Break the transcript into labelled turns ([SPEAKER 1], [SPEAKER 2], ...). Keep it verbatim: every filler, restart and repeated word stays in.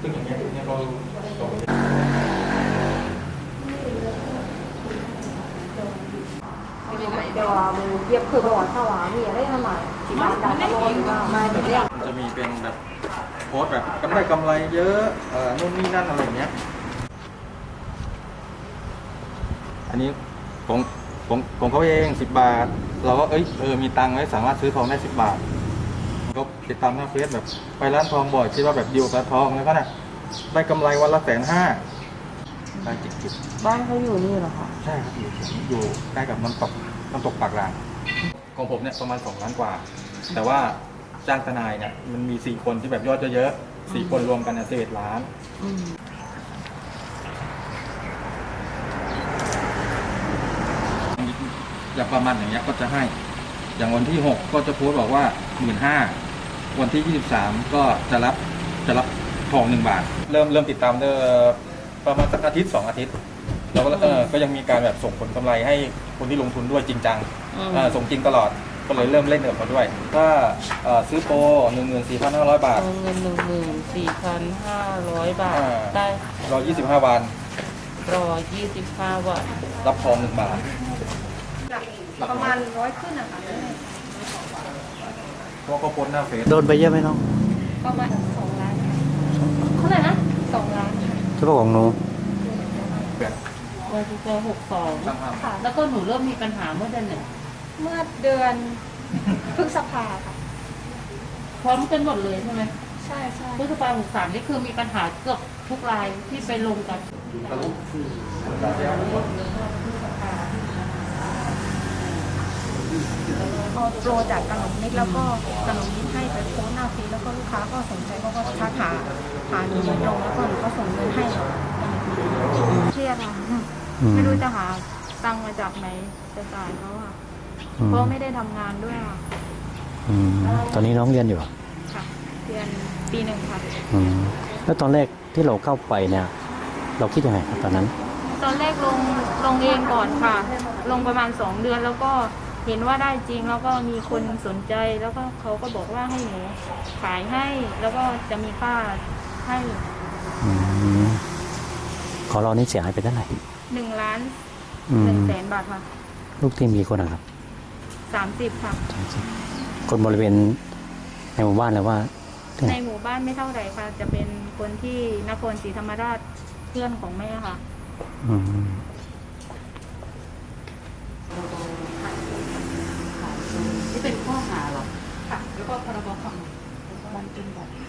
[SPEAKER 1] ซึ่งอย่างเงี้ยเนี่ยเราส่ง
[SPEAKER 2] เดี๋ยวมือเย็บคือบอกว่าถ้าว่ามีอะไรทำไมที่บ้านได้ก็ร้อนมามาเรียก
[SPEAKER 1] มันจะมีเป็นแบบโพสต์แบบกำไรกำไรเยอะเอ่อนู่นนี่นั่นอะไรอย่างเงี้ยอันนี้ของของของเขาเองสิบบาทเราก็เอ้ยเออมีตังค์ไว้สามารถซื้อทองได้สิบบาทก็ติดตามหน้าเฟซแบบไปร้านทองบ่อยคิดว่าแบบดีลกับทองแล้วก็น่ะได้กำไรวันละแสนห้าได้จิกจิก
[SPEAKER 2] บ้านเขาอยู่นี่เหรอคะ
[SPEAKER 1] ใช่ครับอยู่อยู่ใกล้กับน้ำตกน้ำตกปากรางของผมเนี่ยประมาณสองล้านกว่าแต่ว่าจ้างทนายเนี่ยมันมีสี่คนที่แบบยอดเยอะๆสี่คนรวมกันเนี่ยสิบเอ็ดล้านอย่างประมาณอย่างเงี้ยก็จะให้อย่างวันที่หกก็จะโพสต์บอกว่าหมื่นห้าวันที่ยี่สิบสามก็จะรับจะรับทองหนึ่งบาทเริ่มเริ่มติดตามเด้อประมาณสักอาทิตย์สองอาทิตย์แล้วก็เออก็ยังมีการแบบส่งผลกำไรให้คนที่ลงทุนด้วยจริงจังส่งจริงตลอดก็เลยเริ่มเล่นกับเขาด้วยถ้าซื้อโปรหนึ่งหมื่นสี่พันห้าร้อยบาท
[SPEAKER 2] เงินหนึ่งหมื่นสี่พันห้าร้อยบาทได้
[SPEAKER 1] รอยี่สิบห้าวัน
[SPEAKER 2] รอยี่สิบห้าวัน
[SPEAKER 1] รับทองหนึ่งบาท
[SPEAKER 2] ประมาณร้อยขึ้นนะคะ
[SPEAKER 1] เพราะก็โพสต์หน้าเฟซ
[SPEAKER 3] โดนไปเยอะไหมน้อง
[SPEAKER 2] ประมาณสองล้านเท่าไหร่นะสองล้าน
[SPEAKER 3] เฉพาะของหนู
[SPEAKER 2] วันที่เจอหกสองค่ะแล้วก็หนูเริ่มมีปัญหาเมื่อเดือนไหนเมื่อเดือนพฤษภาค่ะพร้อมกันหมดเลยใช่ไหมใช่ใช่พฤษภาหกสามนี่คือมีปัญหาเกือบทุกรายที่ไปลงกันเอาโปรจากขนมนิดแล้วก็ขนมนิดให้ไปโพสหน้าฟีแล้วก็ลูกค้าก็สนใจก็ก็ทักหาหาหนูโดยตรงแล้วก็หนูก็ส่งเงินให้เครียดค่ะไม่รู้จะหาตังค์มาจากไหนจะจ่ายเขาค่ะเพราะไม่ได้ทำงานด้วยค่ะ
[SPEAKER 3] ตอนนี้น้องเรียนอยู่
[SPEAKER 2] ค่ะเรียนปีหนึ่งค่ะ
[SPEAKER 3] แล้วตอนแรกที่เราเข้าไปเนี่ยเราคิดยังไงครับตอนนั้น
[SPEAKER 2] ตอนแรกลงลงเองก่อนค่ะลงประมาณสองเดือนแล้วก็เห็นว่าได้จริงแล้วก็มีคนสนใจแล้วก็เขาก็บอกว่าให้หนูขายให้แล้วก็จะมีค่าให้
[SPEAKER 3] ขอเรานี่เสียหายไปเท่าไหร่
[SPEAKER 2] หนึ่งล้านหนึ่งแสนบาทค่ะ
[SPEAKER 3] ลูกทีมมีคนนะครับ
[SPEAKER 2] สามสิบค่ะ
[SPEAKER 3] คนบริเวณในหมู่บ้านเลยว่า
[SPEAKER 2] ในหมู่บ้านไม่เท่าไหร่ค่ะจะเป็นคนที่นครศรีธรรมราชเพื่อนของแม่ค่ะ
[SPEAKER 3] อืม
[SPEAKER 2] ที่เป็นข้อหาหรอค่ะแล้วก็พรบคอมมันเป็นแบบ